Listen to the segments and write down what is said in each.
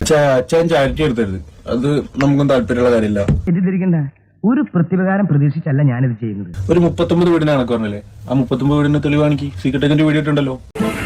അച്ഛൻ ചാരിറ്റി എടുത്തരുത്, അത് നമുക്കും താല്പര്യമുള്ള കാര്യമില്ല. തെറ്റിദ്ധരിക്കണ്ട, ഒരു പ്രതിപകാരം പ്രതീക്ഷിച്ചല്ല ഞാനിത് ചെയ്യുന്നത്. ഒരു 39 വീടിനെ കണക്ക് പറഞ്ഞല്ലേ, ആ 39 വീടിന്റെ തെളിവാണെങ്കിൽ സീക്രട്ട് ഏജന്റ് വീഡിയോ ഇട്ടുണ്ടല്ലോ.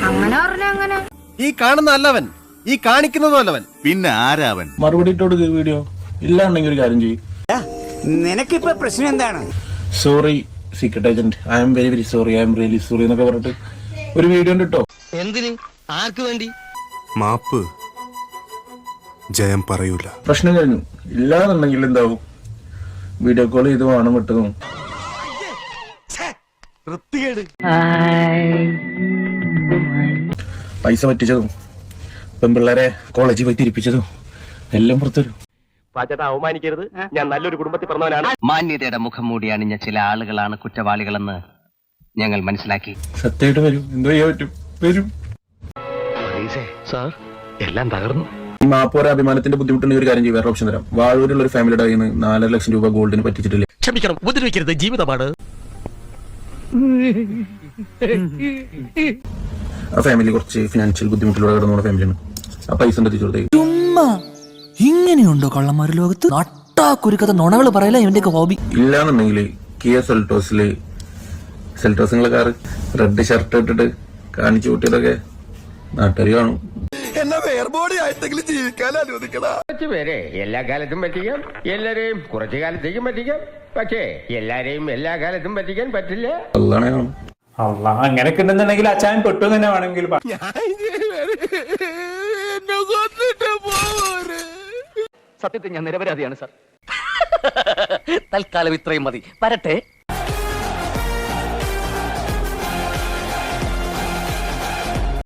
ഈ കാണുന്ന അല്ലവൻ, ഈ കാണിക്കുന്നതും അല്ലവൻ, പിന്നെ ആരാവൻ? മറുപടി ഇട്ടോട് വീഡിയോ ഇല്ലാണ്ടെങ്കിൽ ഒരു കാര്യം ചെയ്യും. നിനക്കിപ്പോ പ്രശ്നം എന്താണ്? Sorry secret agent, I am very very sorry, I am really sorry എന്നൊക്കെ പറഞ്ഞിട്ട് ഒരു വീഡിയോ ഇട്ടോ. എന്തിന്? ആർക്ക് വേണ്ടി? മാപ്പ് ജയം പറയൂല. പ്രശ്നം കഴിഞ്ഞു. ഇല്ലാന്നുണ്ടെങ്കിൽ എന്താവും? വീഡിയോ കോൾ ചെയ്ത് വേണം വിട്ടതും പൈസ പറ്റിച്ചതും പെൺപിള്ളേരെ കോളേജിൽ പോയി തിരിപ്പിച്ചതും എല്ലാം പുറത്തുവരും. അവമാനിക്കരുത്, ഞാൻ നല്ലൊരു കുടുംബത്തിൽ പറഞ്ഞവനാണ്. മാന്യതയുടെ മുഖം മൂടി അണിഞ്ഞ ചില ആളുകളാണ് കുറ്റവാളികളെന്ന് ഞങ്ങൾ മനസ്സിലാക്കി. സത്യമായിട്ട് വരും, എന്തോ ചെയ്യാൻ പറ്റും, വരും. സാർ എല്ലാം തകർന്നു. ഈ മാപ്പോര അഭിമാനത്തിന്റെ ബുദ്ധിമുട്ടുണ്ടെങ്കിൽ ഒരു കാര്യം ചെയ്യും, വേറെ ഓപ്ഷൻ തരാം. വാഴൂരുള്ള ഒരു ഫാമിലിയുടെ കയ്യിൽ നിന്ന് 4.5 ലക്ഷം രൂപ ഗോൾഡിന് പറ്റിച്ചിട്ടില്ലേ? ക്ഷമിക്കണം, ഉപദ്രവിക്കരുത്, ജീവിതമാണ്. ആ ഫാമിലി കുറച്ച് ഫിനാൻഷ്യൽ ബുദ്ധിമുട്ടിലൂടെ കടന്നു ഫാമിലിയാണ്. ആ പൈസ എത്തിച്ചു കൊടുത്തേക്ക്. ഇങ്ങനെയുണ്ടോ കള്ളന്മാര് ലോകത്ത്? നട്ടാക്കുരുക്കത്തെ നുണകള് പറയല ഇവന്റെയൊക്കെ ഹോബി. ഇല്ലാന്നുണ്ടെങ്കിൽ കിയ സെൽറ്റോസിലെ കാറ് റെഡ് ഷർട്ട് ഇട്ടിട്ട് കാണിച്ചു കൂട്ടിയതൊക്കെ നാട്ടുകാർ കാണും. എന്നെ വേർബോഡി ആയിട്ടെങ്കിലും ജീവിക്കാൻ അനുവദിക്കടാ. കുറച്ചുപേരെ എല്ലാ കാലത്തും പറ്റിക്കാം, എല്ലാരെയും കുറച്ചു കാലത്തേക്കും പറ്റിക്കാം. പക്ഷേ എല്ലാരെയും എല്ലാ കാലത്തും പറ്റിക്കാൻ പറ്റില്ല. അതാണ് കാണും. അങ്ങനെയൊക്കെ ഉണ്ടെന്നുണ്ടെങ്കിൽ അച്ഛൻ പെട്ടു തന്നെ വേണമെങ്കിൽ സത്യത്തിൽ ഞാൻ നിരപരാധിയാണ് സാർ. തൽക്കാലം ഇത്രയും മതി. വരട്ടെ.